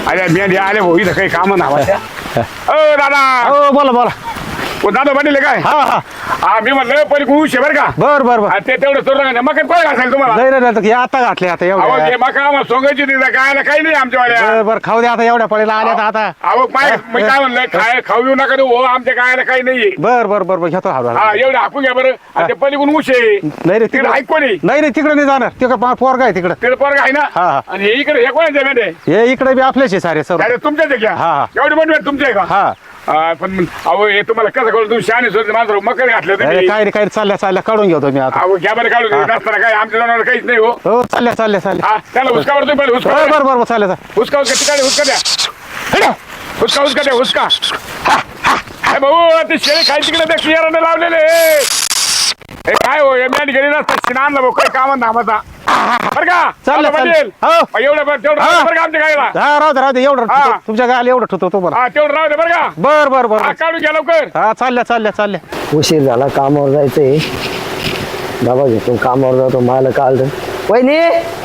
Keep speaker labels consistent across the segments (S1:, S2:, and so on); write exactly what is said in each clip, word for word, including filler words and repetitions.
S1: अरे मी आले भाऊ इथं काही काम ना ओ दादा
S2: हो बोला बोला.
S1: ओ दादा बनले काय
S2: हा हा
S1: हा मी म्हणलं पहिले कुश बरं का
S2: बर बर बर.
S1: हा, ते तेवढं सोडलं का मग काय घासायला तुम्हाला
S2: नाही नाही नाही, आता घातले आता
S1: अहो
S2: एवढ्या.
S1: ते मका आम्हाला सोंगायची तिथं काय काही नाही आमच्यावाल्या
S2: बर बर खाऊ द्या आता एवढ्या पळीला आल्या आता.
S1: अहो माय मी काय म्हणलं खाय खाऊ येऊ नका हो आमच्या काय काही नाहीये
S2: बर बर बर बर घेतो हा
S1: हा एवढं हाकू घ्या बरं आणि ते पलीकडून उश आहे
S2: नाही रे
S1: तिकडे
S2: तिकडे
S1: ऐक कोणी
S2: नाही रे तिकडे नाही जाणार तिकडे पोरगा आहे तिकडे.
S1: तिकडे पोरगा आहे ना
S2: हा, हा.
S1: आणि हे इकडे हे कोणाचे मेंढे
S2: हे इकडे बी आपलेच आहे सारे सर्व.
S1: अरे तुमच्याच आहे का
S2: हा, हा.
S1: एवढी मोठी तुमचे आहे का
S2: हा
S1: हा, पण मग, अहो हे तुम्हाला कसं कळलं तुम्ही शहाणे सोडते मात्र मकर घातलं
S2: अरे
S1: तुम्ही
S2: काय रे काय रे, चालल्या चालल्या काढून घेतो मी आता.
S1: अहो घ्या बरं काढून नसताना काय आमच्या जनावर काहीच नाही हो
S2: हो चालल्या चालल्या चालल्या.
S1: हा त्याला हुसका बरं तुम्ही पहिले हुसका
S2: बर
S1: द्या.
S2: बर बर चालल्या चालल्या.
S1: हुसका हुसका तिकडे हुसका द्या हुसका हुसका द्या हुसका हा, हा. अरे भाऊ ते शेळी खाय तिकडे त्या कियाराने लावलेले हे काय हो या मॅट गेली नसता शिनानला भाऊ काही कामात नामाचा बरं का
S2: चाललं,
S1: आता
S2: चाललं.
S1: बनेल.
S2: हो.
S1: मग एवढं बरं तेवढं
S2: हा.
S1: राहू दे बरं का आमच्या गायला
S2: हा राहू दे राहू दे एवढं
S1: हा.
S2: ठेवतो. तुमच्या गायला एवढं ठेवतो तुम्हाला.
S1: हा तेवढं राहू दे बरं का
S2: बर बर बर
S1: हा काढून घ्या लवकर
S2: हा चालल्या चालल्या चालल्या.
S3: उशीर झाला कामावर जायचंय. डबा घेतो कामावर जातो मला काल वहिनी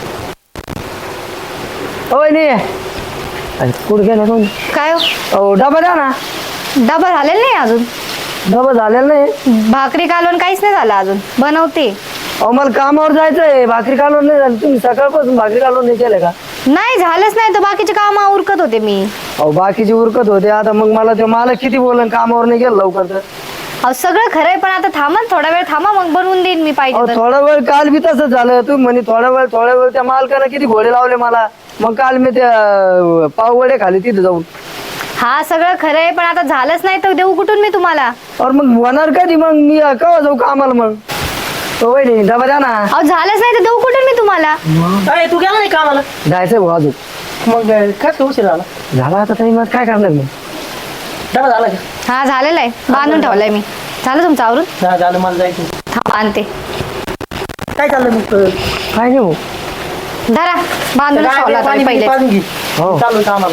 S3: ओ वहिनी अरे कुठं गेला कोण
S4: काय हो?
S3: अहो डबा द्या ना.
S4: डबा झालेला नाही अजून.
S3: डबा झालेला नाही.
S4: भाकरी कालवण काहीच नाही झालं अजून, बनवते.
S3: अहो मला कामावर जायचंय. भाकरी कालवण नाही झाली. तुम्ही सकाळपासून भाकरी कालवण नाही केलं का?
S4: नाही झालंच नाही तर बाकीचे काम उरकत होते मी.
S3: अहो बाकीची उरकत होते. आता मग मला ते मला किती बोलन कामावर नाही गेलं लवकर तर.
S4: अहो सगळं खरंय पण आता थांबा ना, थोडा वेळ थांबा मग बनवून देईन मी पाहिजे
S3: अहो
S4: तर.
S3: थोडा वेळ काल बी तसंच झालं. तुम्ही म्हणे थोडा वेळ थोडा वेळ त्या मालकानं किती घोडे लावले मला. मग काल मी त्या पाववडे खाली तिथे जाऊन.
S4: हा सगळं खरंय पण आता झालंच नाही तर देऊ कुठून मी तुम्हाला.
S3: और मग होणार कधी मग मी केव्हा जाऊ कामाला मग. हो वहिनी डबा द्या ना.
S4: अहो झालंच नाही तर देऊ कुठून मी तुम्हाला.
S5: अरे तू गेला नाही कामाला
S3: जायचंय भाऊ अजून.
S5: मग काय उशीर झाला
S3: झाला आता टाइम काय करणार मी.
S5: डबा झाला का
S4: हा झालेलं आहे, बांधून ठेवलंय मी. झालं तुमचं आवरून.
S5: हा, झालं मला जायचं
S4: थांबा आणते.
S5: काय चाललं मग
S3: काय नाही भाऊ.
S4: धरा बांधून
S5: काय
S4: ठेवला होता
S5: पाणी
S4: मी पहिले.
S5: पाजून घे
S3: हो.
S5: चालू कामाला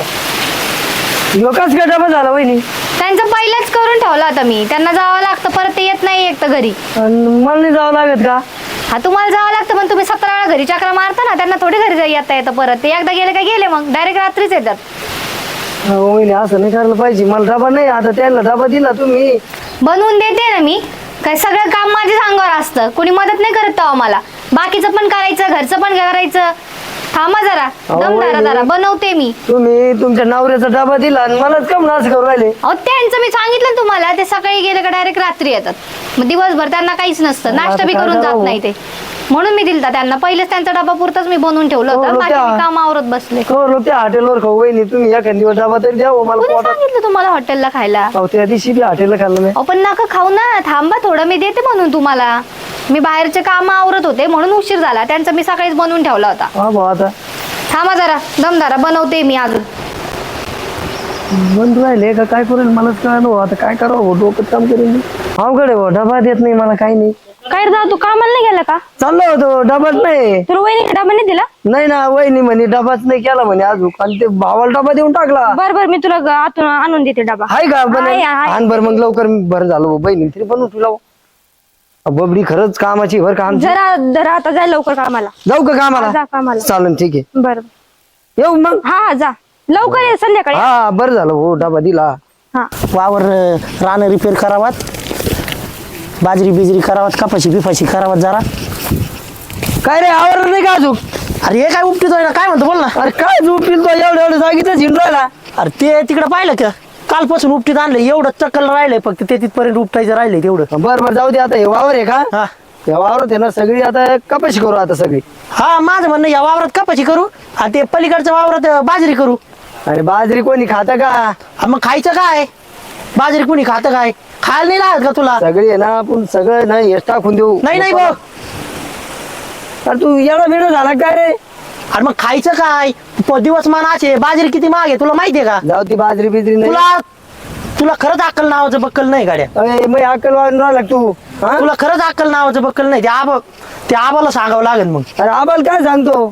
S3: लोकच काय डबा झाला वहिनी.
S4: त्यांचं पहिलेच करून ठेवला होता मी. त्यांना जावं लागतं परत ते येत नाही एक तर घरी.
S3: अन मला नाही जावं लागत का.
S4: हा तुम्हाला जावं लागतं पण तुम्ही सतरा वेळा घरी चक्रा मारता ना, त्यांना थोडी घरी जाई येता येतं परत. ते एकदा गेले का गेले मग डायरेक्ट रात्रीच येतात.
S3: हो वहिनी असं नाही करायला पाहिजे. मला डबा नाही. आता त्यांना डबा दिला तुम्ही.
S4: बनवून देते ना मी. काय सगळं काम माझ्या अंगावर असतं, कोणी मदत नाही करत तेव्हा मला. बाकीचं पण करायचं, घरचं पण करायचं. थांबा जरा,
S3: अहो,
S4: दम धरा
S3: वहिनी.
S4: जरा, बनवते मी.
S3: तुम्ही तुमच्या नवऱ्याचा डबा दिला आणि मलाच कम असं करू राहिले.
S4: अहो त्यांचं मी सांगितलं ना तुम्हाला, ते सकाळी गेले का डायरेक्ट रात्री येतात. मग दिवसभर त्यांना काहीच नसतं,
S3: आता
S4: नाश्ता बी
S3: काय
S4: करून जात
S3: करावं?
S4: नाही ते. म्हणून मी दिलता त्यांना. पहिलेच त्यांचा डबा पुरताच मी बनवून ठेवलं
S3: हो,
S4: होतं. बाकी
S3: त्या-
S4: मी काम आवरत बसले.
S3: हो लोक त्या हॉटेलवर खाऊ वहिनी. तुम्ही एखाद दिवस डबा तरी द्या हो मला
S4: कोणी
S3: पोटात.
S4: सांगितलं तुम्हाला हॉटेलला खायला.
S3: अहो त्या दिवशी बी हॉटेलला खाल्लं नाही.
S4: अहो पण नका खाऊ ना, थांबा थोडं, मी देते म्हणून तुम्हाला. मी बाहेरचे काम आवरत होते म्हणून उशीर झाला. त्यांचा मी सकाळीच बनवून ठेवला होता.
S3: हा भाऊ आता
S4: थांबा जरा, दम धरा, बनवते मी अजून.
S3: बंद राहिले का काय करेल मलाच कळलं हो. आता काय करावं भाऊ, डोकं काम करेल. अवघड आहे भाऊ. डबा देत नाही मला काही नाही.
S6: काय रे तू कामाला नाही गेला का?
S3: चाललो होतो डबाच नाही.
S6: तुला वहिनी डबा नाही दिला?
S3: नाही ना वहिनी म्हणे डबाच नाही केला म्हणे अजून. आणि ते भावाला डबा देऊन टाकला.
S6: बर बर मी तुला ग- आतून आणून देते डबा.
S3: हाय का बन
S6: आहे, आहे.
S3: आण बर मग लवकर. बरं झालं भाऊ बहिणी तरी बनवून तुला. बबडी खरंच कामाची बर का आमची.
S6: जरा जरा आता जाय लवकर कामाला.
S3: जाऊ का
S6: जा
S3: कामाला.
S6: कामाला.
S3: चालेल ठीक आहे.
S6: बर
S3: येऊ मग.
S6: हा हा जा लवकर ये संध्याकाळी.
S3: हा बरं झालं भाऊ डबा दिला.
S6: हा
S5: वावर रान रिपेअर करावात, बाजरी बिजरी करावात, कपाशी बिपाशी करावात जरा.
S3: काय रे आवडलं नाही का अजून.
S5: अरे हे काय उपटीतोय ना, काय म्हणतो बोल ना.
S3: अरे काय झोपील तो एवढं एवढं सांगितलं झिंडरायला.
S5: अरे ते तिकडे पाहिलं का, कालपासून उपटीत आणलं. एवढं चक्कल राहिलंय फक्त, ते तिथपर्यंत उपटायचं राहिलंय तेवढं.
S3: बर बर जाऊ दे. आता हे वावर आहे का.
S5: हा
S3: या वावरात आहे ना सगळी आता कपाशी करू आता सगळी.
S5: हा माझं म्हणणं या वावरात कपाशी करू आणि ते पलीकडच्या वावरात बाजरी करू.
S3: अरे बाजरी कोणी खाता का.
S5: हा, मग खायचं काय, बाजरी कुणी खातं काय, खायला नाही लागत का तुला.
S3: सगळी आहे ना आपण सगळं ना हेच टाकून देऊ.
S5: नाही नाही भाऊ.
S3: अरे तू एवढा वेळ झाला काय रे.
S5: अरे मग खायचं काय, प- दिवस मान असे, बाजरी किती महाग आहे तुला माहितीये का.
S3: जाऊ ती बाजरी बिजरी नाही.
S5: तुला तुला खरंच अक्कल नावाचं बक्कल नाही गाड्या.
S3: अरे मग अक्कल वाढून राहिला तू. हा?
S5: तुला खरंच अक्कल नावाचं बक्कल नाही. ते आबा, ते आबाला सांगावं लागेल मग.
S3: अरे आम्हाला काय सांगतो.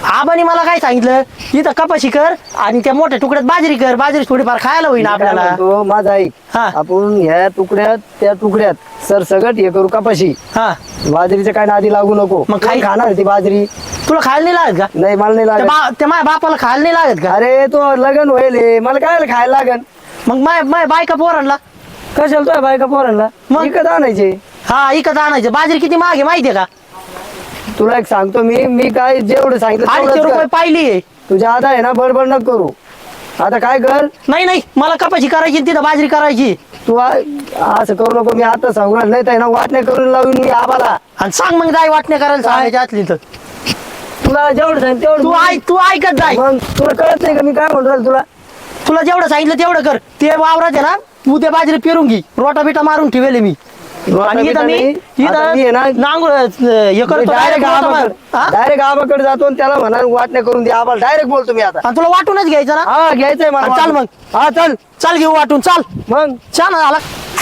S5: आबानी मला काय सांगितलं इथं कपाशी कर आणि त्या मोठ्या तुकड्यात बाजरी कर, बाजरी थोडीफार खायला होईल
S3: काय
S5: आपल्याला.
S3: म्हणतो, माझा ऐक
S5: हा.
S3: आपण ह्या तुकड्यात त्या तुकड्यात सर सगळं हे करू कपाशी.
S5: हा
S3: बाजरीच्या काय नादी लागू नको.
S5: मग खाई-
S3: कोण खाणार ती बाजरी?
S5: तुला खायला नाही लागत का?
S3: नाही मला नाही
S5: त्या
S3: लागत.
S5: बा- त्या माझ्या बापाला खायला नाही लागत का?
S3: अरे तो लगन होईल हे. मला काय खायला लागन?
S5: मग माय माय बायका पोरांना
S3: कशाला तुझ्या बायका पोरांना
S5: मग?
S3: विकत आणायचे.
S5: हा इकत आणायचं. बाजरी किती महाग आहे माहितीये का?
S3: तुला एक सांगतो मी मी काय जेवढं सांगितलं
S5: आठशे
S3: तेवढंच
S5: रुपये
S3: कर.
S5: पाहिली आहे.
S3: तुझ्या आता आहे ना बडबड नको करू. आता काय कर
S5: नाही नाही मला कपाशी करायची आणि तिथं बाजरी करायची.
S3: तू आ- असं करू नको. मी आता सांगू राहिलो. नाही तर आहे ना वाटण्या करून लावून मी आबाला.
S5: आणि सांग मग जाय वाटणे करायला सांगायची असली तर.
S3: तुला जेवढं सांगितलं तेवढं
S5: तू ऐक तू ऐकत जाय.
S3: मग तुला कळत नाही का मी काय म्हणतो राहिलो तुला?
S5: तुला जेवढं सांगितलं तेवढं कर. ते वावरात आहे ना उद्या बाजरी पेरून घे. रोटा बिटा मारून ठेवले मी. आणि इथं मी
S3: आता मी आहे ना
S5: इथं नांगूळ हे करतो
S3: डायरेक्ट
S5: direct रोटा मार. हा?
S3: डायरेक्ट आबाकडे जातो आणि त्याला म्हणा वाटण्या करून दे आबाला. डायरेक्ट बोलतो मी आता.
S5: आणि तुला वाटूनच घ्यायचं ना.
S3: हा घ्यायचंय मला.
S5: हा, चाल मग.
S3: हा चल
S5: चाल घेऊ वाटून चाल.
S3: मग
S5: छान झाला.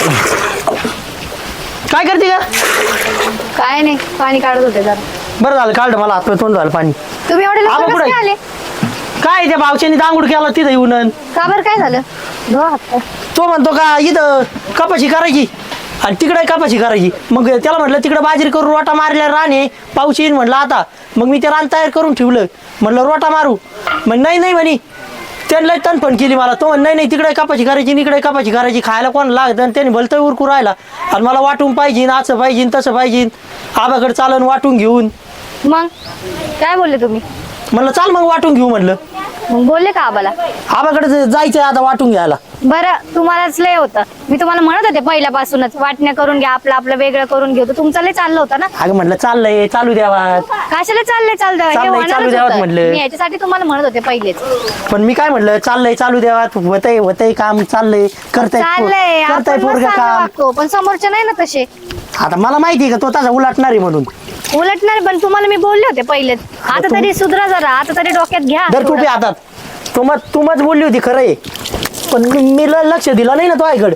S5: काय करते का?
S4: काय नाही, पाणी काढत होते जरा.
S5: बरं झालं काढलं मला हात तोंड झालं पाणी.
S4: तुम्ही एवढे
S5: आबा
S4: लवकर
S5: कुठे?
S4: कसं काय आले?
S5: काय त्या भावच्यानी दांगूड केला तिथं येऊन.
S4: का बरं काय झालं? धो हात पाय.
S5: तो म्हणतो का इथं कपाशी करायची आणि तिकडे कपाशी करायची. मग त्याला म्हटलं तिकडे बाजरी करून रोटा मारल्या राणे पाऊस येईन म्हटलं आता. मग मी ते रान तयार करून ठेवलं. म्हटलं रोटा मारू. मग नाही नाही म्हणे. त्यांना तणफण केली मला. तो म्हण नाही नाही तिकडे कपाशी करायची इकडे कपाशी करायची. खायला कोण लागत आणि त्याने भलतं उरकू राहिला. आणि मला वाटून पाहिजे असं पाहिजे तसं पाहिजे. आबाकडे चालन वाटून घेऊन.
S4: मग काय बोलले तुम्ही?
S5: म्हणलं चाल मग वाटून घेऊ म्हणलं.
S4: मग बोलले का आबाला?
S5: आबाकडे जायचं आता वाटून घ्यायला.
S4: बरं तुम्हालाच लय होतं. मी तुम्हाला म्हणत होते पहिल्यापासूनच वाटण्या करून घ्या, आपलं आपलं वेगळं करून घेऊ. तर तुमचं लय चाललं होतं ना.
S5: अगं म्हटलं चाललंय चालू द्यावा.
S4: कशाला चाललंय चाललं हे
S5: चाललंय,
S4: होणारच
S5: चालू द्यावं
S4: होतं.
S5: म्हटलं.
S4: मी याच्यासाठी तुम्हाला म्हणत होते पहिलेच.
S5: पण मी काय म्हटलं चाललंय चालू द्यावा. होतय होतय काम चाललंय करताय
S4: चाललंय
S5: करताय
S4: आपण
S5: पोरग
S4: मस्त
S5: काम.
S4: वागतो, पण समोरचे नाही ना तसे.
S5: आता मला माहिती आहे का तो तसा उलटणार आहे म्हणून.
S4: उलटणार पण तुम्हाला मी बोलले होते पहिलेच. आता
S5: तुम-
S4: तरी सुधरा जरा. आता तरी डोक्यात घ्या
S5: दर
S4: थोडं.
S5: टोपी हातात. तू मग तू मग बोलली होती खरं आहे. पण मी मी ल- लक्ष दिलं नाही ना तो ऐकड.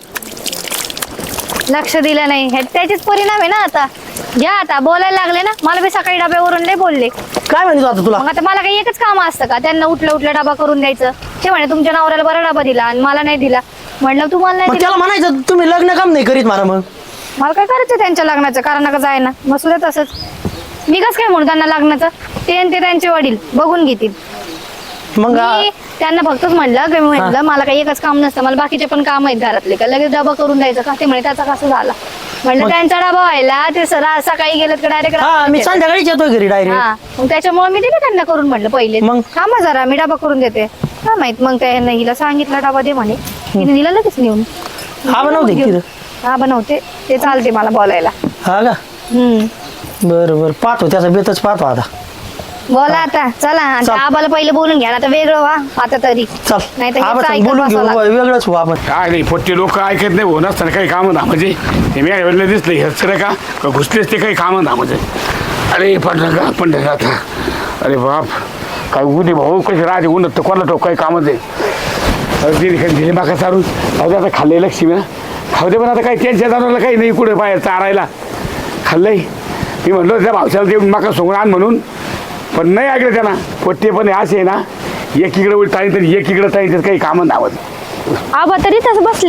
S4: लक्ष दिलं नाही हे त्याचेच परिणाम आहे ना. आता घ्या, आता बोलायला लागले ना. मला बी सकाळी डब्यावरून लय बोलले.
S5: काय म्हणतो आता तुला?
S4: मग आता मला काही एकच काम असतं का त्यांना उठलं उठलं डबा करून द्यायचं? ते म्हणे तुमच्या नवऱ्याला बरा डबा दिला आणि मला नाही दिला. म्हणलं तुम्हाला नाही
S5: मग
S4: दिला.
S5: त्याला म्हणायचं तुम्ही लग्न काम नाही करीत मला. मग
S4: मला काय करायचं त्यांच्या लग्नाचं? कारण का जाय ना मसू दे तसंच. मी कसं काय म्हणू त्यांना लग्नाचं? ते आणि ते त्यांचे वडील बघून घेतील.
S5: मग
S4: मी त्यांना फक्तच म्हणलं की मी म्हटलं मला काही एकच काम नसतं, मला बाकीचे पण काम आहेत घरातले. का लगेच डबा करून द्यायचं का? ते म्हणे त्याचा कसं झाला. म्हणलं
S5: मग-
S4: त्यांचा डबा व्हायला ते सरा सकाळी गेलं तर डायरेक्ट.
S5: हा मी संध्याकाळीच येतोय घरी डायरेक्ट.
S4: हा मग त्याच्यामुळे मी दिले त्यांना करून. म्हटलं पहिले
S5: मग?
S4: थांबा जरा मी डबा करून देते. काय माहित मग त्या हिला सांगितलं डबा दे म्हणे. तिने दिला लगेच नेऊन.
S5: हा बनवते
S4: घेऊन.
S5: तिथं.
S4: हा बनवते. ते चालते मला बोलायला.
S5: हा का
S4: हम्म
S5: बरं बरं पाहतो त्याचा बेतच पाहतो आता.
S4: बोला आता चला. आणि
S5: चल.
S4: आबाला पहिले बोलून घ्या आता वेगळं व्हा आता तरी.
S5: चल
S4: नाही तर
S5: आबा
S4: हेच
S5: चल,
S4: ऐकत
S5: बोलून घेऊ
S4: बसावं लागतं.
S5: वेगळंच हो आपण.
S1: काय नाही पोट्टे लोक ऐकत नाही हो नसताना काही कामं ना म्हणजे हे मी वेळेला दिसलं हेच का का घुसलेच ते काही कामं ना म्हणजे. अरे पण का पण आता अरे बाप काय उदे भाऊ कशी राहते उन्हात तर कोणाला ठोक काही कामच आहे. अरे दिली काही दिली माका चारून खाऊ दे आता खाल्लंय लक्ष्मी ना खाऊ दे. पण आता काही त्यांच्या जनावरला काही नाही कुठे पाय चारायला खाल्लंय. मी म्हणलो त्या भावशाला देऊन माका सोडून आण म्हणून. पण नाही ऐकलं त्यांना. पोट्टे पण असे आहे ना एकीकडे उलट टाळी तरी एकीकडे टाळी काही कामं धावत.
S6: आबा तरी तसं बसले.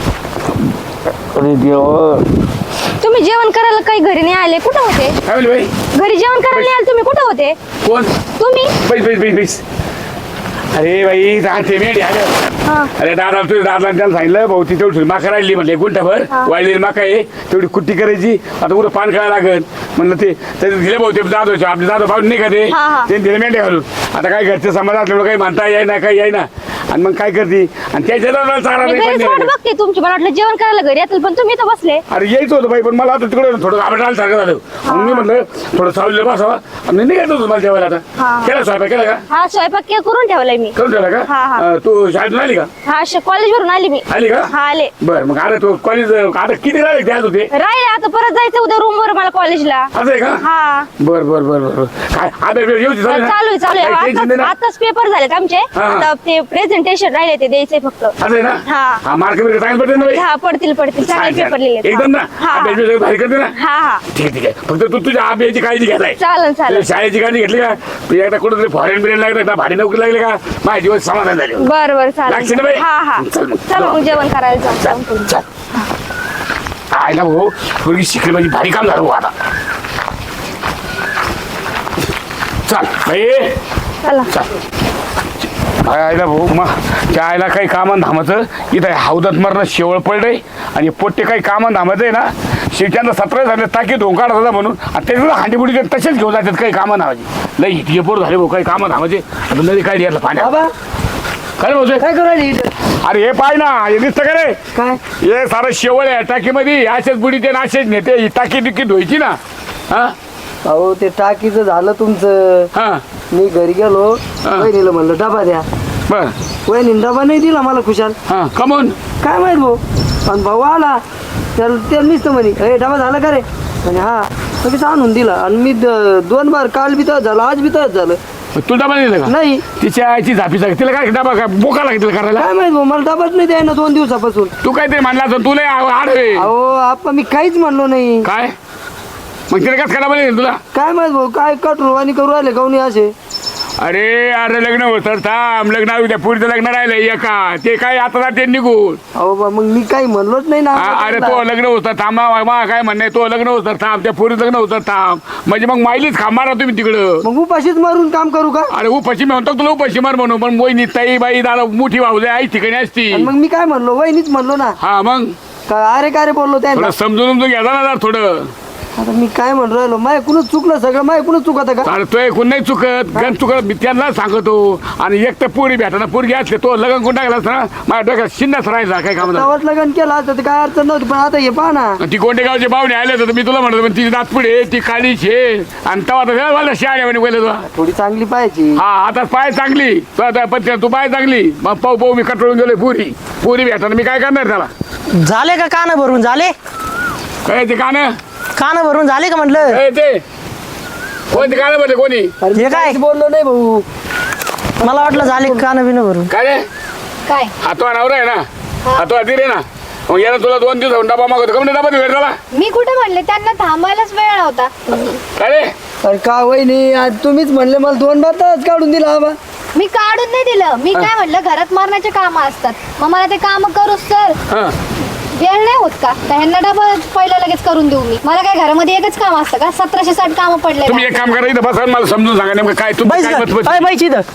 S1: अरे देव
S6: तुम्ही जेवण करायला काही घरी नाही आले? कुठं होते?
S1: काय म्हणले बाई
S6: घरी जेवण करायला नाही आले तुम्ही? कुठं होते
S1: कोण
S6: तुम्ही?
S1: बैस बैस बैस बैस. अरे बाई राहते मेढी आले.
S6: हा.
S1: अरे दादा तुझ्या दादा त्याला सांगितलं भाऊ ती तेवढी माका राहिली म्हणले गुंठाभर वाळलेली माका आहे तेवढी कुट्टी करायची. आता उद्या पान खायला लागल म्हणलं ते त्याचे दिले भाऊ ते दादोचे आपले दादा भाऊ नाही का ते
S6: हा, हा.
S1: ते दिले मेंढ्या घालून. आता काय घरचे समाज असल्यामुळे काही म्हणता येई ना काही येई ना. आणि मग काय करते आणि त्याच्या दादाला चारा
S6: मी
S1: नाही
S6: घरीच
S1: पण
S6: वाट
S1: नाही.
S6: बघते तुमची. मला वाटलं जेवण करायला घरी येतील पण तुम्ही इथं बसले.
S1: अरे यायचं होतं बाई पण मला आता तिकडे थोडं आबटायला सारखं झालं. म्हणून मी म्हणलं थोडं सावलेलं बसावा आणि निघायचं होतं मला जेवायला. आता
S6: हा.
S1: केला स्वयंपाक केला का?
S6: हा स्वयंपाक के- करून ठेवलाय मी.
S1: करून ठेवला का?
S6: हा, हा.
S1: अं, तू शाळेतून आली का?
S6: हा कॉलेज वरून आली मी.
S1: आली का?
S6: हा आले.
S1: बर मग आता तू कॉलेज आता किती राहिले द्यायच होते
S6: राहिले आता परत जायचं उद्या रूम वर मला कॉलेजला.
S1: असं आहे का?
S6: हा
S1: बर बर बर बर काय आता येऊ
S6: चालू आहे चालू आहे. आताच- आताच पेपर झालेत आमचे.
S1: हा.
S6: आता ते प्रेझेंट टी शर्ट राहिले ते द्यायचंय फक्त.
S1: असं आहे ना
S6: हा.
S1: हा मार्क बिर्क चांगलं पडते ना बाई?
S6: हा पडतील पडतील चांगले
S1: छान, छान.
S6: पेपर लिहिले.
S1: एकदम ना
S6: हा
S1: अभ्यास बिभ्यास भारी करते ना?
S6: हा हा
S1: ठीक आहे, ठीक आहे. फक्त तू तुझ्या अभ्यासाची काळजी घ्यायला आहे.
S6: चालेल चालेल.
S1: शाळेची काळजी घेतली का तू एकदा कुठेतरी फॉरेन बिरेन लागलं का भारी नोकरी लागली का माझे दिवस समाधान झाले.
S6: बर बर
S1: लागशील ना
S6: चालेल.
S1: बाई?
S6: हा हा
S1: चल मग.
S6: चल मग जेवण करायला
S1: चल,
S6: जाऊ.
S1: चल. आयला भाऊ थोडी शिकली म्हणजे भारी काम झालं भाऊ आता. चल बाई
S6: चला.
S1: चल आयला भाऊ मग त्या आयला काही कामं धामाचं इथं हौदात मरणं शेवळ पडलंय आणि पोट्टे काही कामं धामाचं आहे ना शिवच्यांना सतरा झाले टाकी धोका होता म्हणून आणि ते हांडीपुडी तसेच घेऊन जातात काही कामं धामाची लई इतके पोर झाले भाऊ काही कामं धामाचे आता नदी काय द्यायला पाण्यात
S3: बाबा
S1: काय भाऊ
S3: काय करू राहिली इथं?
S1: अरे हे पाय ना हे दिसतं का रे
S3: काय
S1: हे सारं शेवळ आहे टाकीमध्ये असेच बुडी ते असेच नेते ही टाकी टिकी धुवायची ना हा
S3: अहो ते टाकीचं झालं तुमचं.
S1: हा
S3: मी घरी गेलो वहिनीला म्हणलं डबा द्या.
S1: बर
S3: वहिनी डबा नाही दिला मला खुशाल.
S1: हा कमून
S3: काय माहित भाऊ पण भाऊ आला त्याला ते नुसतं म्हणे अरे डबा झाला का रे म्हणे हा लगेच आणून दिला आणि मी द- दोन बार काल बी तसंच झालं आज बी तसंच झालं.
S1: तू डबा दिला का
S3: नाही
S1: तिच्या आईची झापी सांग तिला काय डबा काय बोका लागतील करायला
S3: काय माहित भाऊ मला डबाच नाही द्याय ना दोन दिवसापासून.
S1: तू काय ते म्हणला असं तुला आडवे
S3: अहो आप्पा मी काहीच म्हणलो नाही.
S1: काय मग तिला काय डबा नाही तुला
S3: काय माहित भाऊ काय कटुरवाणी करू राहिले काऊन असे.
S1: अरे अरे लग्न होतं थांब लग्न उद्या पुढचं लग्न राहिलं एका ते काय आता जाते निघून
S3: अहो बा मग मी काही म्हणलोच नाही ना.
S1: आ- अरे तो लग्न होतं थांबा मा काय म्हणणं तो लग्न होतं थांब त्या पुरी लग्न होतं थांब म्हणजे मग माहिलीच खा मारा तुम्ही तिकडं
S3: मग उपाशीच मारून काम करू का.
S1: अरे उपाशी मी म्हणतो तुला उपाशी मार म्हणून पण मोहिनी ताई बाई दादा मोठी भाऊ आई ठिकाणी असती
S3: आणि मग मी काय म्हणलो वहिनीच म्हणलो ना.
S1: हा मग
S3: का अरे का रे बोललो
S1: थोडं
S3: त्या
S1: समजून समजून घ्या ना जरा थोडं
S3: आता मी काय म्हणून राहिलो माझ्याकडूनच चुकलं सगळं माझ्याकडूनच चुकत का.
S1: अरे तो एकूण नाही चुकत गण चुकत मी त्यांना सांगतो आणि एक तर पोरी भेटा पोरगी असले तो लग्न कोण टाकला ना माझ्या डोक्यात शिन्नाच राहायचा काय काम
S3: गावात लग्न केलं असतं तर काय अडचण नव्हती पण आता हे पहा ना.
S1: ती गोंडेगावचे पाहुणे आले तर मी तुला म्हणतो पण तिची नातपुडे ती काळीच आहे आणि तेव्हा तर मला शाळे म्हणे पहिले तुला
S3: थोडी चांगली पाहिजे.
S1: हा आता पाय चांगली तू आता पण तू पाय चांगली मग पाहू पाहू मी कटळून गेलोय पुरी पुरी भेटाना मी काय करणार त्याला
S5: झाले का कान भरून झाले
S1: काय ते कान
S5: कान भरून झाले का म्हटलं
S1: ए, ते कोणते कान भरले कोणी
S3: अरे मी
S5: हे काय?
S3: काहीच बोललो नाही भाऊ.
S5: मला वाटलं झाले कान बिन भरून
S1: काय रे
S4: काय
S1: हातवा नवरा आहे ना हातवा दिरे ना मग याला तुला दोन दिवस डबा मागवतो कमी डबा भेट झाला
S4: मी कुठे म्हणले त्यांना थांबायलाच वेळ नव्हता.
S1: काय रे
S3: अरे का वहिनी आज तुम्हीच म्हणले मला दोन बार तास काढून दिला आबा.
S4: मी काढून नाही दिलं मी काय म्हणलं घरात मारण्याचे काम असतात मग मला ते काम करूच तर
S1: हा
S4: वेळ नाही होत का तर ह्यांना डबा पहिलं लगेच करून देऊ मी मला काय घरामध्ये एकच काम असतं का सतराशे साठ काम पडले
S1: तुम्ही एक काम करा इथं बसा आणि मला समजून सांगा नेमकं काय तुम्ही काय मत मत-
S5: बाईची इथं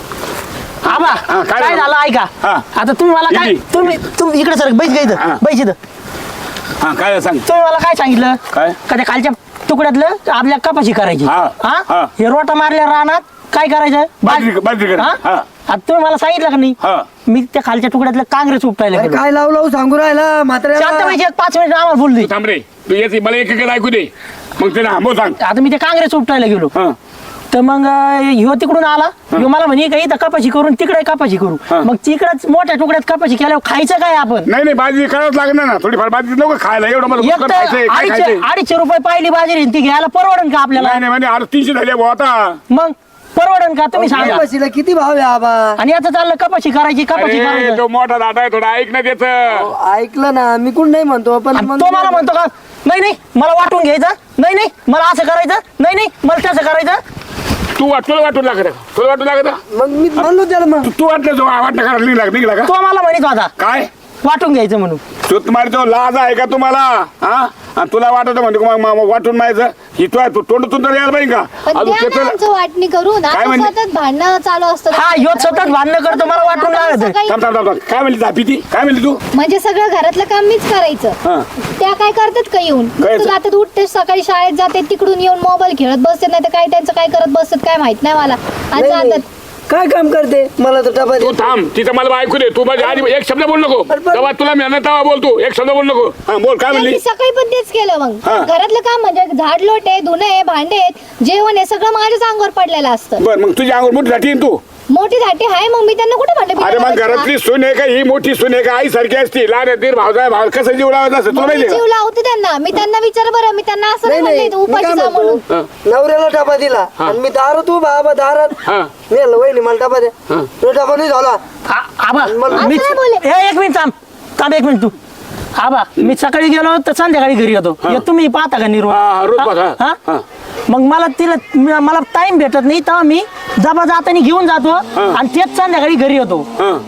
S5: आबा
S1: हा, काय
S5: काय
S1: झालं?
S5: झालं ऐका
S1: हा.
S5: आता तुम्ही मला काय
S1: इकडे.
S5: तुम्ही तुम्ही इकडे सर बैठ
S1: हा.
S5: इथं बैठ इथं
S1: हा काय सांग
S5: तुम्ही मला काय सांगितलं
S1: काय?
S5: का त्या खालच्या तुकड्यातलं आपल्या कपाशी करायची
S1: हा,
S5: हा
S1: हा.
S5: हे रोटा मारल्या रानात काय करायचं
S1: बाजरी- बाजरी करा.
S5: हा?
S1: हा.
S5: आता तुम्ही मला सांगितलं का नाही
S1: हा
S5: मी त्या खालच्या तुकड्यातलं काँग्रेस उपटायला
S3: अरे
S5: गेलो
S3: काय लावू लावू सांगू राहिला
S5: शांत
S3: म्हाताऱ्याला.
S5: पाहिजे पाच मिनिट आम्हाला बोलली
S1: तू थांब रे तू येते मला एक एक ऐकू दे मग ते ना सांग
S5: आता मी ते काँग्रेस उपटायला गेलो
S1: हा
S5: तर मग अं, ह्यो तिकडून आला ह्यो मला म्हणे का इथं कपाशी करून तिकडे कपाशी करू
S1: हा.
S5: मग तिकडच मोठ्या तुकड्यात कपाशी केल्यावर खायचं काय आपण
S1: नाही नाही बाजरी करावंच लागणार ना थोडीफार बाजरी नको खायला एवढं मला
S5: एक
S1: पुष्कळ
S5: तर
S1: खायचंय, काय
S5: अडीचशे
S1: खायचंय?
S5: अडीचशे रुपये पाहिली बाजरी ती घ्यायला परवडन का आपल्याला
S1: नाही नाही म्हणजे अरे तीनशे झाले भाऊ आता
S5: मग परवडन का तुम्ही सांगा
S3: कपाशीला किती भाव आहे आबा.
S5: आणि आता चाललं कपाशी करायची कपाशी
S1: अरे
S5: करायची
S1: तो मोठा दाटा आहे थोडा ऐक ना त्याच
S3: ऐकलं ना मी कोण नाही म्हणतो पण
S5: आणि
S3: मग
S5: तो मला म्हणतो का नाही नाही मला वाटून घ्यायचं नाही नाही मला असं करायचं नाही नाही मला तसं करायचं
S1: तू वाट तुला वाटून लागत तुला वाटून लागत
S3: मग मी म्हणलो त्याला मग
S1: तू- तू वाटलं जो वाटणं करायला निघला निघला का
S5: तो मला म्हणत होता
S1: काय
S5: वाटून घ्यायचं म्हणून
S1: तू तुम्हाला तो लाज आहे का तुम्हाला हा आणि तुला वाटत म्हणतो का मग मग वाटून माहिती ही तू आहे तू तोंडातून तर यायला पाहिजे का
S4: पण
S1: अजून
S4: द्या ना
S1: त्याचं-
S4: आमचं वाटणी करून
S1: काय
S4: आता
S1: म्हणले?
S4: सतत भांडणं चालू असतं
S5: हा ह्यो सतत भांडणं करतो मला वाटून लागत
S4: सकाळी-
S1: थांब थांब थांब थांब. काय म्हणली झापी ती काय म्हणली तू
S4: म्हणजे सगळं घरातलं काम मीच करायचं
S1: हा
S4: त्या काय करतात का येऊन
S1: काय
S4: तू
S1: ते?
S4: जातात उठते सकाळी शाळेत जाते तिकडून येऊन मोबाईल खेळत बसते नाही तर काय त्यांचं काय करत बसतात काय माहित नाही मला आणि
S3: नाही,
S4: जातात
S3: काय काम करते मला तर डबा
S1: तू
S3: दे.
S1: थांब तिथं मला ऐकू दे तू माझ्या आधी एक शब्द बोल नको
S3: पण-
S1: तेव्हा तुला मेहनत तेव्हा बोल तू एक शब्द बोल नको हा बोल काय म्हणली
S4: त्यांनी सकाळी पण तेच केलं मग
S1: हा.
S4: घरातलं काम म्हणजे झाड लोट आहे धुणं आहे भांडे आहेत जेवण आहे सगळं माझ्याच अंगावर पडलेलं असतं
S1: बर मग तुझी अंगूर मोठी झाटी तू
S4: मोठी धाटी आहे मग मी त्यांना कुठे म्हटलं
S1: अरे मग
S4: बिना लावायचं
S1: घरातली सून आहे का ही मोठी सून आहे का आई सारखी असती लहान दीर भावजा भाव कसं जीव लावायचं असं
S4: का?
S1: तुला
S4: मग मी
S1: माहिती
S4: जीव लावते त्यांना मी त्यांना विचार बरं मी त्यांना असं
S3: नाही
S4: नाही
S3: नाही
S4: म्हणले
S3: मी काय
S4: उपाशी जा म्हणून
S3: म्हणतो नवऱ्याला डबा दिला आणि मी दारात उभा आबा दारात
S1: हा.
S3: मी म्हणलं, वहिनी मला डबा द्या तो डबा नाही झाला
S5: आ- आबा
S3: मला-
S5: मी
S4: असं नाही बोले.
S5: ए, एक मिनिट थांब थांब एक मिनिट तू आबा मी सकाळी गेलो तर संध्याकाळी घरी येतो हे तुम्ही पाहता का निर्वाह
S1: हा, रोज पाहता.
S5: हा?
S1: हा.
S5: मग मला तिला म- मला टाइम भेटत नाही तेव्हा मी जबा जाताना घेऊन जातो आणि तेच संध्याकाळी घरी येतो
S1: हा.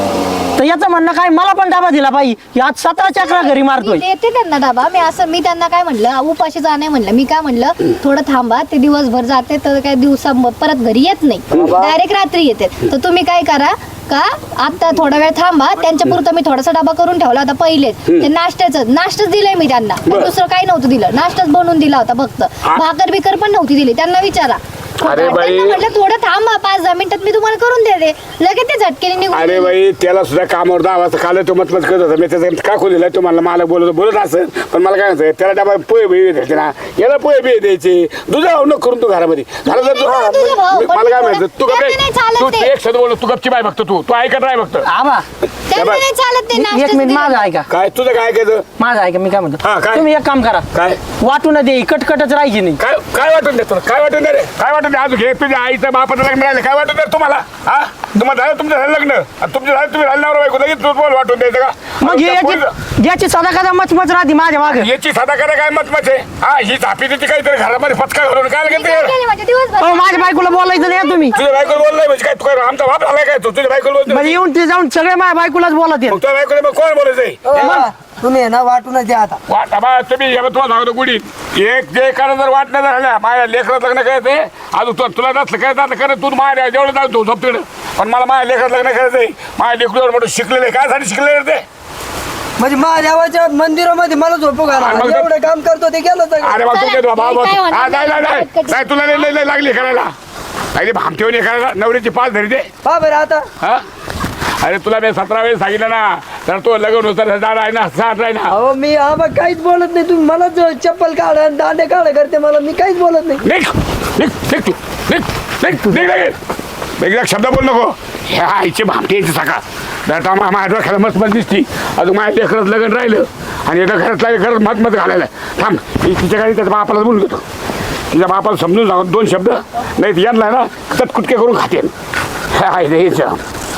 S5: तर याचं म्हणणं काय मला पण डबा दिला पाहिजे आज सतरा चक्रा घरी मारतोय
S4: मी देते त्यांना डबा मी असं मी त्यांना काय म्हणलं उपाशी जा नाही म्हणलं मी काय म्हणलं थोडं थांबा ते दिवसभर जाते तर काय दिवसा परत घरी येत नाही डायरेक्ट रात्री येते तर तुम्ही काय करा का आता थोडा वेळ थांबा त्यांच्या पुरतं मी थोडासा डबा करून ठेवला होता पहिलेच ते नाश्त्याचं नाश्ताच दिलंय मी त्यांना
S1: बरं.
S4: दुसरं काही नव्हतं दिलं नाश्ताच बनवून दिला होता फक्त भाकर बिकर पण नव्हती दिली त्यांना विचारा
S1: अरे बाई.
S4: त्यांना म्हटलं थोडं थांबा पाच दहा मिनिटात मी तुम्हाला करून देते लगेच ते झटकेने निघून
S1: अरे
S4: गेले.
S1: बाई त्याला सुद्धा कामावर दहा वाजता खाल्लं तो मतमत करत होता मी त्याचा का खोलेला तो मला मला बोलत बोलत असेल पण मला काय म्हणतं त्याला डबा पोहे बिहे द्यायचे ना याला पोहे बिहे द्यायचे दुधा नको करून तू घरामध्ये घरात जर तू-
S4: हा, तुझा भाऊ,
S1: मी-
S4: पण
S1: मला काय
S4: तुला-
S1: म्हणतं तू
S4: त्यांना नाही चालत
S1: तू
S4: ते.
S1: एक शब्द बोलत तू गपची बाय बघतो तू तू ऐकत राह फक्त
S5: आबा
S4: त्यांना नाही चालत ते
S5: एक
S4: नाश्ताच
S5: मिनिट
S4: दिलं.
S5: माझं ऐका
S1: काय तुझं काय ऐकायचं
S5: माझं ऐका मी काय
S1: हा,
S5: म्हणतो
S1: काय?
S5: तुम्ही एक काम करा
S1: काय
S5: वाटून दे कटकटच राहायची नाही
S1: काय काय वाटून दे तुला काय वाटून दे रे काय वाटून दे अजून हे तुझ्या आईचं बापाचं लग्न राहिलं काय वाटून दे तुम्हाला हा तुम्हाला झालं तुमचं झालं लग्न आणि तुमचं झालं तुम्ही झालं नवरा बायको लगेच तू बोल वाटून द्यायचं का
S5: मग हे
S1: त्या पोरीचं-
S5: याची- याची सदा कदा मचमच राहते माझ्या मागे
S1: याची साधा करा काय मत मत आहे हा ही झापी तिची काहीतरी घरामध्ये फटका घालून काय
S4: मी
S1: लागेल
S4: काय केलं म्हणजे दिवसभर
S5: अहो माझ्या बायकोला बोलायचं नाही हं तुम्ही
S1: तुझ्या बायकोला बोललाय म्हणजे काय तू काय आमचा बाप झालाय काय तू तुझ्या बायकोला बोलतो
S5: म्हणजे येऊन ते जाऊन सगळे माझ्या बायकोलाच बोलत
S1: मग तुझ्या बायकोला मग कोण बोलायचंय
S3: ओ, बाबा, तुम्ही आहे ना वाटूनच द्या आता
S1: वाटा बा तुम्ही या तुम्हाला सांगतो गुडीत एक जे करा जर वाट नाही झाल्या माझ्या लेकरात लग्न करायचंय अजून तू तुला नसलं करायचं आता करत तू माझ्या जेवढं जातो झोपतीकडं पण मला माझ्या लेकरात लग्न करायचंय माझ्या लेकरूवर मोठं शिकलेलं आहे काय साठी शिकलेलं ते
S3: म्हणजे महादेवाच्या मंदिरामध्ये मला झोपू घाला
S1: आणि मग-
S3: एवढं काम करतो ते केलं सगळं.
S1: अरे बाबा
S4: चला,
S1: तुझ्या बाबा
S4: मी काय म्हणणार
S1: हा नाही नाही नाही
S4: नाही.
S1: नाही, तुला लई- लई लई लागली करायला नाही भामटेवणी करायला नवरीची पाच धरी दे
S3: पहा बरं आता
S1: हा अरे तुला मी सतरा वेळेस सांगितलं ना तर तो लग्न होतं जाड आहे ना साठ आहे ना
S3: अहो मी आबा काहीच बोलत नाही तुम्ही मला ज- चप्पल काढा आणि दांडे काढा करते मला मी काहीच बोलत नाही
S1: निघ निघ निघ तू निघ निघ निघ लगेच एकदा शब्द बोल नको ह्या आईची भामटी यायची सकाळ आता माझ्या डोक्याला मस्त मत दिसती अजून माझ्या लेकरच लग्न राहिलं आणि एका घरात लागलं खरंच मत मत घालायला थांब मी तिच्या गाडी त्याच्या बापाला बोलून घेतो तिच्या बापाला समजून सांगतो दोन शब्द नाही तर यांना ना कटकुटके करून खातेन ह्या आहे रे याच्या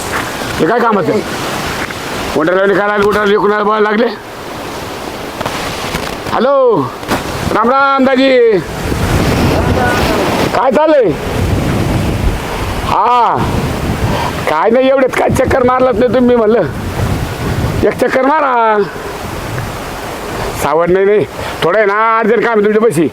S1: हे काय कामाचं उठायला काय लागले उठायला लेकून बोलायला लागले हॅलो राम राम दाजी काय चाललंय हा काय नाही एवढेच काय चक्कर मारलात नाही तुम्ही म्हणलं एक चक्कर मारा सावड नाही नाही थोडं आहे ना अर्जंट काम आहे तुमच्या पैसे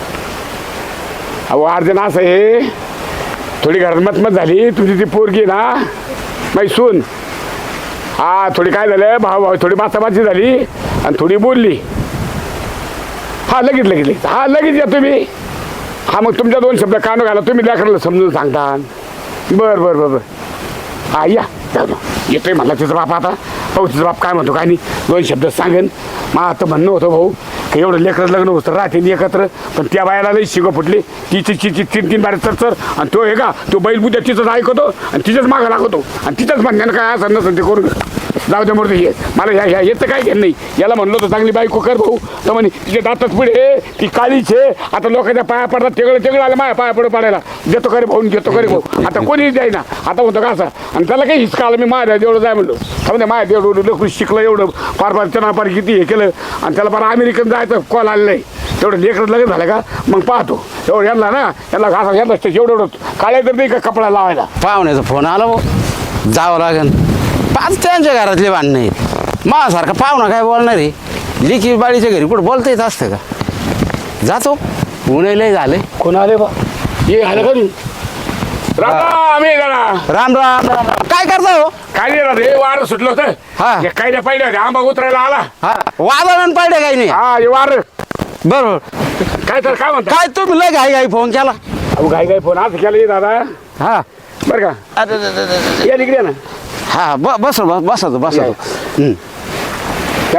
S1: अहो अर्जंट असं आहे थोडी घरात मतमत झाली तुमची ती पोरगी आहे ना माही सून हा थोडी काय झालं भाऊ भाऊ थोडी बाचाबाची झाली आणि थोडी बोलली हा लगेच लगेच लगेच हा लगेच या तुम्ही हा मग तुमच्या दोन शब्द कानो घाला तुम्ही लेकराला समजून सांगता बरं बरं बरं बरं हा या जाऊ दे. येतोय म्हणला तिचा बाप आता भाऊ तिचा बाप काय म्हणतो काय नाही दोन शब्द सांगेन मग आता म्हणणं होतं भाऊ की एवढं लेकरं लग्न होतं राहते एकत्र पण त्या बायाला लई शिगं फुटली तिची तिची तीन तीन बारे तर तर आणि तो हे का तो बैल बुद्ध्या तिचंच ऐकतो आणि तिच्याच मागं लागतो आणि तिच्याच म्हणण्यानं काय असं नसेल ते करून जाऊ दे मोरते ये मला ह्या ह्या येतं काय घेणं नाही याला म्हणलं होतं चांगली बायको कर भाऊ तर म्हणे तिचे दातच पुढे ती काळीच आहे आता लोकांच्या पाया पडतात तेगळं तेगळं आलं माझ्या पाया पडू पडायला देतो करे भाऊ घेतो करे भाऊ आता कोणीच द्यायना आता म्हणतो का असं आणि त्याला काही हिसका आलं मी माझ्या जेवढं जाय म्हणलो म्हणजे माझ्या एवढं लोक शिकलं एवढं फार फार त्यांना फार किती हे केलं आणि त्याला फार अमेरिकन जायचं कॉल आलेलं आहे तेवढं लेकरं लगेच झालं का मग पाहतो एवढं यांना ना यांना घासा यांना एवढं एवढं काळ्या तर नाही का कपडा लावायला
S7: पाहुण्याचा फोन आला भाऊ जावं लागेल पाच त्यांच्या घरातले भांडणं आहेत माझ्यासारखा पाहुणा काय बोलणार आहे लिखी बाळीच्या घरी कुठं बोलता येत असतं का जातो पुण्यालाही झाले
S1: कोण आले बा ये आलं का तू राम आम्ही जरा
S7: राम राम राम काय करता हो
S1: काय नाही राहत हे वारं सुटलं होतं
S7: हा.
S1: हे काय नाही पाहिलं होते आंबा उतरायला आला
S7: हा वादळण पाहिजे काही नाही
S1: हा हे वार
S7: बरोबर
S1: काय तर काय म्हणता
S7: काय तुम्ही लय घाई घाई फोन केला
S1: अहो घाई घाई फोन आज केला ये दादा
S7: हा
S1: बरं का
S7: अरे, अरे, अरे, अरे.
S1: या इकडे ना
S7: हा ब बस बस बसतो बसतो हं.
S1: त्या बा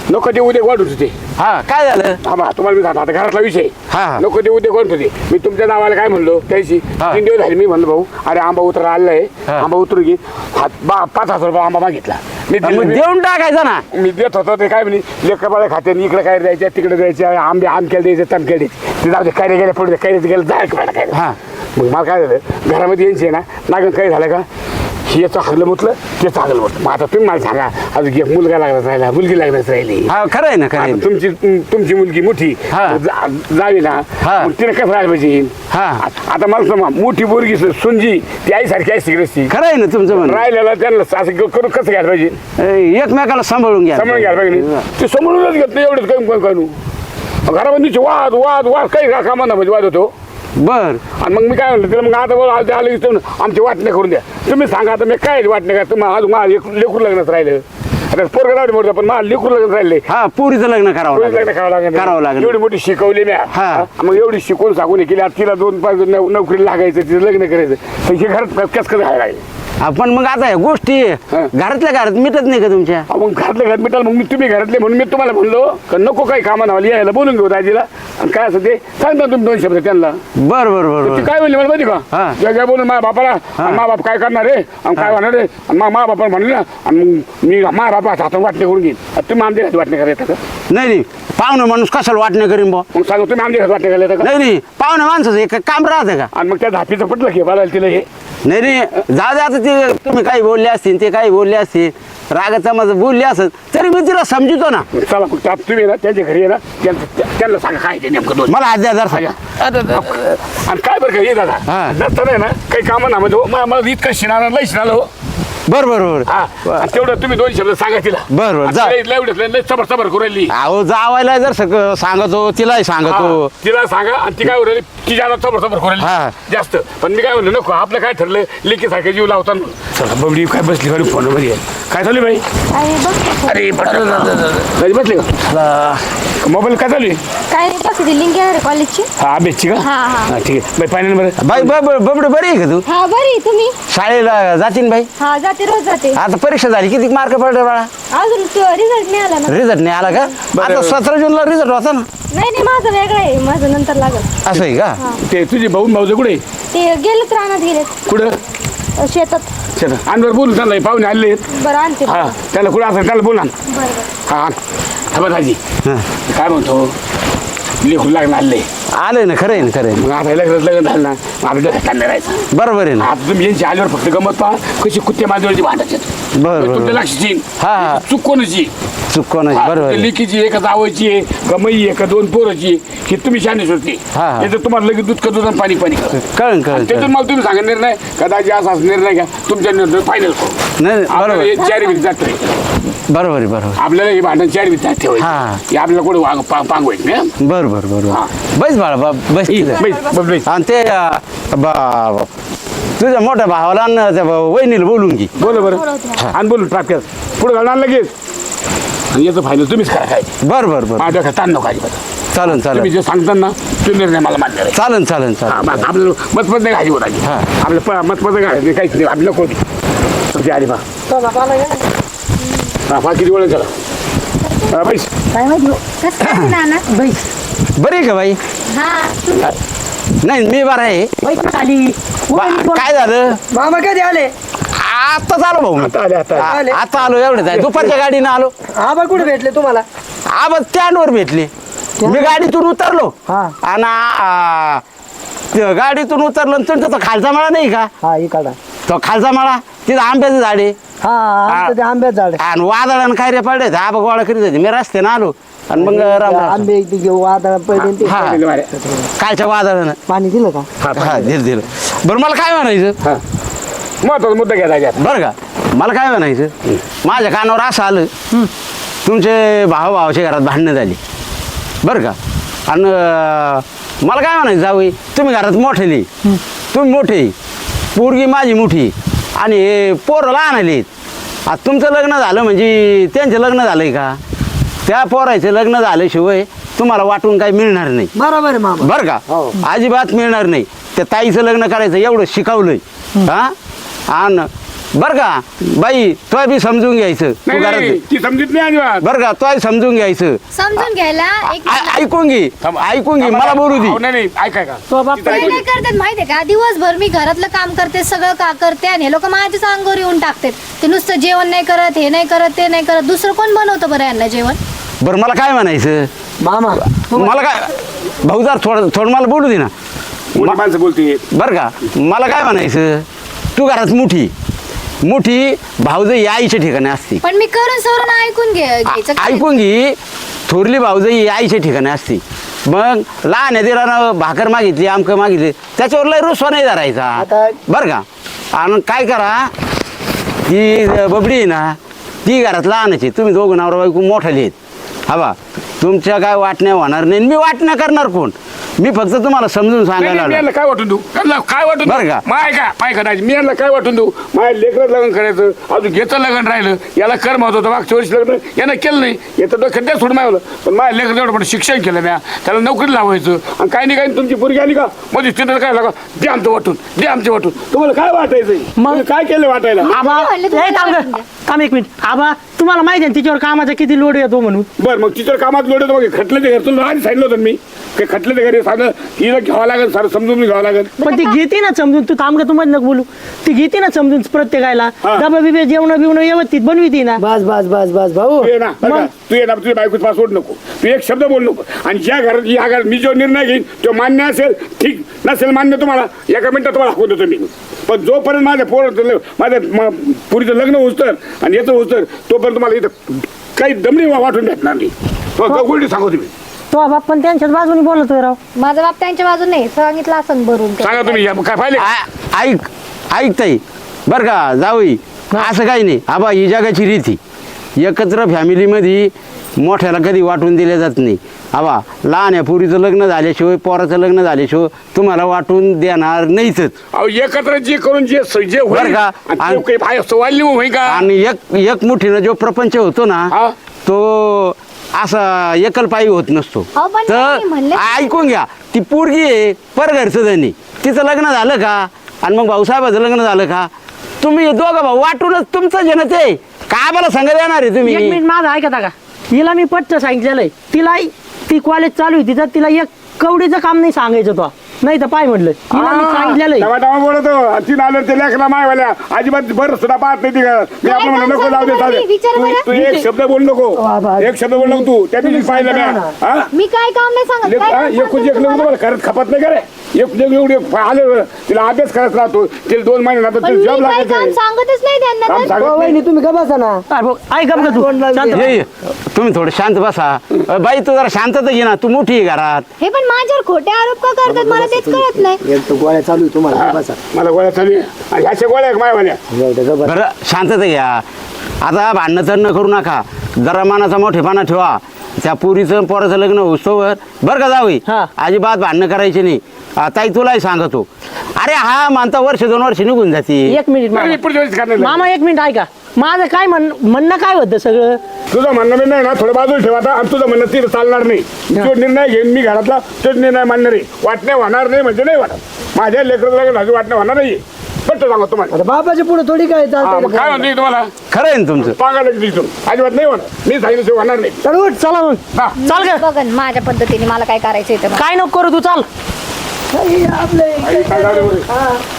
S1: नको ते उद्या वाढत होते
S7: हा काय झालं
S1: थांबा तुम्हाला मी सांगतो आता घरातला विषय
S7: हा, हा.
S1: नको ते उद्या वाढत होते मी तुमच्या नावाला काय म्हणलो त्याची
S7: हा.
S1: तीन दिवस झाले मी म्हणलो भाऊ अरे आंबा उतरा आलाय
S7: हा.
S1: आंबा उतरू घे हात बा पाच हजार रुपये आंबा मागितला मी
S7: मग
S1: दिले.
S7: देऊन टाकायचा ना
S1: मी देत होतो ते काय म्हणे लेकरबाळ्या खाते इकडे काय द्यायच्या तिकडे द्यायच्या आंबे आमक्याला द्यायचे तमक्या द्यायचे ते जाऊ दे काय गेल्या पुढे काय गेलं जाय काय
S7: हा.
S1: मग मला काय झालं घरामध्ये यायचे ना नागन काय झालं का हे चांगलं म्हटलं ते चांगलं म्हटलं मग आता तुम्ही मला सांगा अजून एक मुलगा लागलाच राहिला मुलगी लागलाच राहिली
S7: हा खरं आहे ना खरं आहे
S1: आता
S7: ना.
S1: तुमची तुमची मुलगी मोठी
S7: हा.
S1: जा- जावी ना
S7: हा.
S1: मग तिने कसं राहायला पाहिजे
S7: हा.
S1: आ- आता मला सांगा मोठी पोरगी सुंजी ती आईसारखी आई सिगरेटची
S7: खरं आहे ना तुमचं म्हणणं
S1: राहिलेला त्यांना असं करून कसं घ्यायला पाहिजे
S7: ए, एकमेकाला सांभाळून घ्या
S1: समजून घ्यायला पाहिजे ते समोरूनच घेत नाही एवढंच काही कोण कानू घरामध्ये वाद वाद वाद काही कामांना म्हणजे वाद होतो
S7: बर
S1: आणि मग मी काय म्हणलं तिला मग आता बोल आलं आलं की तुम्ही आमची वाटणे करून द्या तुम्ही सांगा आता मी काय वाटणे का तुम्ही अजून माझं लेकरू लेकरू लग्नच राहिलं आता पोरगं राहते मोठं पण मला लेकरू लग्न राहिले
S7: हा पुरीचं लग्न करावं
S1: लग्न
S7: लागेल
S1: करावं लागेल
S7: करावं लागेल
S1: एवढी मोठी शिकवली मी
S7: हा.
S1: मग एवढी शिकवून सांगून हे केली आता तिला दोन पाच नौ- नोकरी लागायचं तिचं लग्न करायचं तर हे घरात कसं कसं राहायला लागेल
S7: आपण मग आता ह्या गोष्टी
S1: हा.
S7: घरातल्या घरात मिटत नाही का तुमच्या
S1: अहो, मग घरातल्या घरात मिटाल मग मी तुम्ही घरातले म्हणून मी तुम्हाला म्हणलो का नको काही कामाला मला यायला बोलून घेऊ दाजीला आणि काय असं ते सांगता तुम्ही दोन शब्द त्यांना
S7: बर बर बर
S1: ती
S7: बर
S1: काय म्हणली मला माहिती
S7: हा.
S1: का ज्या ज्या बोलून माझ्या बापाला आणि मा बाप काय करणार रे आणि काय होणार रे आणि मा बापा म्हणले ना आणि मग मी मा बापा हातातून वाटणे करून घेईन आता तुम्ही आमच्या घरात वाटणे करायचं का
S7: नाही नाही पाहुणे माणूस कशाला वाटणं करीन बा
S1: मग सांगू तुम्ही आमच्या घरात वाटणे करायचं का
S7: नाही नाही पाहुणे माणसाचं एक काम राहतं का
S1: आणि मग त्या धापीचं पटलं की मला तिला हे
S7: नाही नाही जाऊ दे आता ते तुम्ही काही बोलले असतील ते काही बोलले असतील रागाचा माझं बोलले असत तरी मी तिला समजतो ना
S1: मग चला मग त्या- तुम्ही ना त्यांच्या घरी आहे ना त्यांचं त्या- त्यांना सांगा काय ते नेमकं दोन
S7: मला आद्या जर सांगा
S1: आणि काय बरं का हे दादा
S7: हा.
S1: नसताना आहे ना काही कामं ना म्हणजे मला मला इतकं शिणारा लई शिणाला हो
S7: बर बर बर
S1: हा आणि तेवढं तुम्ही दोन शब्द सांगा तिला
S7: बरं, बरं, जा.
S1: आणि तिला एवढं लई सबर सबर करू राहिली
S7: अहो जावायला जर सग- सांगतो तिलाही सांगतो
S1: हा, तिला सांगा आणि ती काय उरली तिच्या सबर सबर करू
S7: हा.
S1: राहिली जास्त पण मी काय म्हणलं नको आपलं काय ठरलं लेकीसारखं जीव लावता चला बबडी काय बसली गाडी फोन मध्ये काय चालू भाई
S6: अरे बघ
S1: अरे कधी बसले का मोबाईल काय चालू आहे
S6: काय नाही बघ लिंक येणार आहे कॉलेजची
S1: हा अभ्यासची का
S6: हा, हा.
S1: हा, ठीक आहे बाई फायनल बरं
S7: बाई बबडे बरी आहे का तू
S6: हा बरी तुम्ही
S7: शाळेला जातीन बाई
S6: हा जाते रोज जाते
S7: आता परीक्षा झाली किती मार्क पडले बाळा
S6: अजून रिझल्ट नाही आला ना
S7: रिझल्ट नाही आला का आता सतरा जूनला रिझल्ट होता ना
S6: नाही नाही माझं वेगळं आहे माझं नंतर लागल
S7: असं आहे का
S1: ते तुझे भाऊ भाऊचं कुठे आहे?
S6: ते गेलेत रानात गेलेत
S1: कुठं
S6: अ, शेतात
S1: चला आणवर बोलू त्यांना हे पाहुणे आले
S6: बरं आणते
S1: हा
S6: बरं
S1: त्याला कुठं असं त्याला बोला
S6: बरं
S1: हा हा दाजी
S7: हा.
S1: काय म्हणतो लेखून लागलं आले
S7: आलंय ना खरं आहे ना खरं आहे
S1: मग आता लग्न लग्न झालं ना मग आपल्या डोक्यात ताण नाही राहायचं
S7: ना बरोबर आहे ना
S1: आता तुम्ही यांची आल्यावर फक्त गमत पहा कशी कुत्ते माझ्यावरची भांडायचे
S7: बरं, बरं.
S1: तुमच्या लक्षात येईल
S7: हा, हा.
S1: चूक कोणाची
S7: चूक कोणाची बरोबर आहे.
S1: लेकीची आहे का जावायची आहे का मई आहे का दोन पोराची ही तुम्ही शानेच होती
S7: हा, हा.
S1: त्याचं तुम्हाला लगेच दूध का दूध आणि पाणी पाणी करा.
S7: कळण कळण
S1: त्यातून
S7: कळण.
S1: मला तुम्ही सांगा निर्णय कदाचित असा निर्णय घ्या तुमच्या निर्णय फायनल करू
S7: नाही नाही,
S1: आपल्याला
S7: बरोबर
S1: हे चार वीस जात
S7: बरोबर आहे बरोबर
S1: आपल्याला हे भांडण चार वीस जात
S7: हा.
S1: ठेवायचं हे आपल्याला कुठे वाग पा- पांगवायचं नाही
S7: बरोबर बरोबर
S1: हा.
S7: बस बाळा बा- बस
S1: हं?
S7: तिथं.
S1: बैस, बस, बैस.
S7: आणि ते अं, बा- तुझ्या मोठ्या भावाला आणि त्या बा- वहिनीला बोलून घे
S1: बोला बरं आणि बोलू ट्राफिक पुढे घालणार लगेच आणि याचं फायनल तुम्हीच करा काय
S7: बरं बरं बरं
S1: माझ्या ताण नको अजिबात
S7: चालन
S1: तुम्ही
S7: चालन
S1: जे सांगता ना तो निर्णय मला मान्य आहे
S7: चालन चालन
S1: हा,
S7: चालन
S1: बस आपल्याला मतपत नाही घाली होता
S7: हा.
S1: आपलं प- मतपत घालायचं काहीच नाही आपलं नको तुमची आली बा हा फा किती वेळ चला हा, बैस
S4: काय माहिती हो. कसं काय नाना
S7: बरी आहे का बाई
S4: हा
S7: नाही मी बरं आहे बा- काय झालं
S3: मामा कधी आले
S7: आत्ताच आलो भाऊ मी.
S1: आता आले आता आले.
S7: आ- आता आलो एवढं आहे दुपारच्या गाडीनं आलो
S3: आबा कुठे भेटले तुम्हाला
S7: आबा स्टँडवर भेटले मी गाडीतून उतरलो
S3: हा.
S7: आणि आ, त्या गाडीतून उतरलो आणि तुमचा तो खालचा मळा नाही का
S3: हा इकडा
S7: तो खालचा मळा तिथं आंब्याचं झाड आहे
S3: हा आमचं ते आंब्यात झाड आहे.
S7: आणि वादळानं काय रे पडले आबा गोळा करीत होते मी रस्त्यानं आलो आणि मग राम राम.
S3: आंबे इथे घेऊ वादळ पहिले ते
S7: हा
S1: पहिले मारे.
S7: कालच्या वादळानं
S3: पाणी दिलं का
S7: हा दिलं दिलं बरं मला काय म्हणायचं
S1: हा महत्वाचा मुद्दा घ्या त्याच्यात
S7: बरं का मला काय म्हणायचं माझ्या कानावर असं आलं तुमचे भाऊ भावाच्या घरात भांडणं झाली बरं का आणि अं, मला काय म्हणायचं जाऊ तुम्ही घरात मोठेली तुम्ही मोठे पोरगी माझी मोठी आणि हे पोरं लहान आली आता तुमचं लग्न झालं म्हणजे त्यांचं लग्न झालं आहे का त्या पोरायचं लग्न झाल्याशिवाय तुम्हाला वाटून काही मिळणार नाही
S3: बरोबर आहे मामा
S7: बरं का अजिबात मिळणार नाही त्या ताईचं लग्न करायचं एवढं शिकवलंय हा आणि बर का बाई तोय बी समजून घ्यायचं तू
S1: नाही
S7: घरात
S1: नाही, ती समजत नाही अजिबात.
S7: बर का तोय समजून घ्यायचं
S4: समजून घ्यायला एक
S7: आ- ऐकून घे
S1: थांब.
S7: ऐकून घे मला बोलू दे
S1: अहो, नाही नाही ऐकाय का
S5: तो बाप
S1: तिथं
S4: ते
S1: ऐकू
S4: काय
S1: दे.
S4: करतात माहितीये का दिवसभर मी घरातलं काम करते सगळं का करते आणि हे लोक माझ्याच अंगावर येऊन टाकतात ते नुसतं जेवण नाही करत हे नाही करत ते नाही करत दुसरं कोण बनवतं बरं यांना जेवण
S7: बरं मला काय म्हणायचं
S3: मामा
S7: मला काय भाऊ जर थोडं थोडं मला बोलू दे ना
S1: मोठी माणसं बोलते
S7: बरं का मला काय म्हणायचं तू घरात मोठी मोठी भाऊजाई आईच्या ठिकाणी असते
S4: पण मी करून सवरून ऐकून घे घ्यायचं काय?
S7: ऐकून घे थोरली भाऊजाई आईच्या ठिकाणी असते मग लहान आहे तिला भाकर मागितली आमकं मागितली त्याच्यावर लय रुसवा नाही धरायचा
S3: आता-
S7: बरं का आणि काय करा ती बबडी आहे ना ती घरात लहानच आहे तुम्ही दोघं नवरा बायको मोठाले आहेत हा बा तुमच्या काय वाटण्या होणार नाही आणि मी वाटण्या करणार कोण मी फक्त तुम्हाला समजून
S1: नाही,
S7: सांगायला
S1: नाही, मी
S7: आलो
S1: यांना काय वाटून देऊ यांना काय वाटून
S7: बरं का?
S1: माय का माय करायची मी यांना काय वाटून देऊ माझ्या लेकरं लग्न करायचं अजून घेतं लग्न राहिलं याला कर महत्व होतं मागच्या वर्षी लग्न यानं केलं नाही याचं डोक्यात द्या सोडून मावलं पण माझ्या लेकरं तेवढं पण शिक्षण केलं म्या त्याला नोकरी लावायचं आणि काही नाही काही तुमची पोरगी आली का मध्ये तिथं काय लागा दे आमचं वाटून दे आमचे वाटून तुम्हाला काय वाटायचं मग काय केलं वाटायला
S5: आबा
S4: म्हणले
S5: ए,
S4: तुम्हाला
S5: थांब
S4: वाटून
S5: गं.
S4: द्या.
S5: थांब एक मिनिट आबा तुम्हाला माहिती आहे ना तिच्यावर कामाचा किती लोड येतो म्हणून
S1: बरं मग तिच्या कामात लोड मग खटलं ते घर तुला आधी सांगितलं होतं मी ते खटलं ते घरी सांगलं तिला घ्यावं लागेल सर समजून घ्यावं लागेल
S5: पण ती घेते ना समजून तू थांब का तुम्हाला नको बोलू ती घेते ना समजून प्रत्येकाला
S1: हा.
S5: डबा बिबे जेवण बिवणं व्यवस्थित बनविती ना
S3: बस बस बस बस भाऊ
S1: तू ये ना बरं का? तू ये ना तुझ्या बायकोच पासवर्ड नको तू एक शब्द बोल नको आणि ज्या घरात या घरात मी जो निर्णय घेईन तो मान्य असेल ठीक नसेल मान्य तुम्हाला एका मिनिटात तुम्हाला हाकून देतो मी पण जोपर्यंत माझ्या पोर माझ्या म- पुरीचं लग्न होतं आणि याचं होतं तोपर्यंत तुम्हाला इथं काही दमडी वाटून भेटणार नाही तो गोष्टी सांगू तुम्ही
S5: तो बाप पण त्यांच्याच बाजूने बोलतोय राव
S4: माझा बाप त्यांच्या बाजूने नाही सांगितलं असं भरून ते.
S1: सांगा तुम्ही या- काय पाहिले
S7: आ- ऐक ऐकताय बरं का जाऊई असं काही नाही आबा ही जगाची रीती एकत्र फॅमिलीमध्ये मोठ्याला कधी वाटून दिले जात नाही आबा लहान या पुरीचं लग्न झाल्याशिवाय पोराचं लग्न झाल्याशिवाय तुम्हाला वाटून देणार नाहीच
S1: अहो एकत्र जे करून जे स- जे होईल
S7: बरं का?
S1: आणि ते
S7: आणि-
S1: काही बाहेर सवाल होईल का
S7: आणि एक एक मुठीनं जो प्रपंच होतो ना
S1: हा.
S7: तो असा एकलपायी होत नसतो
S4: अहो, पण
S7: तर
S4: नाही म्हणले.
S7: ऐकून घ्या ती पोरगी आहे परघरचं धनी तिचं लग्न झालं का आणि मग भाऊसाहेबाचं लग्न झालं का तुम्ही दोघं भाऊ वाटूनच तुमचं जनच आहे का आम्हाला सांगा येणार आहे
S5: एक
S7: तुम्ही
S5: मिनिट माझं ऐकता का हिला मी पट्ट सांगितलेलं आहे तिला ती कॉलेज चालू आहे तिचं तिला एक कवडीचं काम नाही सांगायचं तो नाही तर पाय म्हटलं तिला मी सांगितलेलं आहे
S1: टमा टमा बोलतो तीन आलं ते लेकरा मायवाल्या अजिबात बरं सुद्धा पाहत नाही ती का मी आपण म्हणलं नको लावू दे चालेल
S4: विचार
S1: तू
S4: बरं.
S1: तू एक शब्द बोल नको
S3: बाबा.
S1: एक शब्द बोल नको तू त्या दिवशी पाहिलं म्या हा
S4: मी काय काम नाही सांगत
S1: लेक-
S4: काय
S1: हा,
S4: काम
S1: एकूण
S4: सांगते
S1: एक लग्न
S4: तुम्हाला?
S1: तुम्हाला खरंच खपत नाही का रे एक एवढी आलं तिला अभ्यास करत राहतो तिला दोन महिने नंतर
S4: पण
S1: तिला
S4: मी
S1: जॉब
S4: काय
S1: लागायचं
S4: काम
S1: आहे.
S4: सांगतच नाही त्यांना
S1: काम
S4: तर.
S1: सांगत
S3: हो,
S1: नाही.
S3: वहिनी तुम्ही का बसा ना
S5: अरे भाऊ, ऐक गं तू
S3: तोंड लावून
S5: शांत
S3: दे.
S5: बस.
S7: ये, ये. तुम्ही थोडं शांत बसा अ, बाई तू जरा शांतता घे ना तू मोठी आहे घरात
S4: हे पण माझ्यावर खोटे आरोप का करतात मला तेच कळत नाही
S3: एक तर गोळ्या चालू आहे तुम्हाला का बसा
S1: मला गोळ्या चालू आहे. आणि ह्याच्या गोळ्या आहे मायवाल्या
S3: जाऊ दे, का बसा.
S7: बरं शांतता घ्या आता भांडणं तरणं करू नका जरा मनाचा मोठेपणा ठेवा त्या पुरीचं पोराचं लग्न होस्तोवर बरं का जावई
S5: हा.
S7: अजिबात भांडणं करायची नाही आ, ताई तुलाही सांगतो अरे हा मानता वर्ष दोन वर्ष निघून जाते
S5: एक मिनिट मामा.
S1: नाही, पुढच्या वेळेस करणार नाही.
S5: मामा एक मिनिट ऐका माझं काय म्हण म्हणणं काय होतं सगळं
S1: तुझं म्हणणं मी नाही ना थोडं बाजूला ठेवा आता आणि तुझं म्हणणं ती चालणार नाही तो निर्णय घेईन मी घरातला तोच निर्णय मानणार आहे वाटण्या होणार नाही म्हणजे नाही वाटत माझ्या लेकराला माझी वाटण्या होणार नाही पट्ट सांगा तुम्हाला
S3: आता बापाच्या पुढे थोडी काय
S1: हा, मग काय
S3: चालतं
S1: म्हणते तुम्हाला
S7: खरं आहे ना तुमचं
S1: पागायला दिसून अजिबात नाही होणार मी सांगितलं ते होणार नाही
S3: चल उठ.
S5: चला मग
S1: हा.
S5: चाल ग
S4: बघन माझ्या पद्धतीने मला काय करायचं ते
S5: काय नको करू तू चाल
S3: हे आपलं
S1: आई, काय झालं बरं?
S3: हा.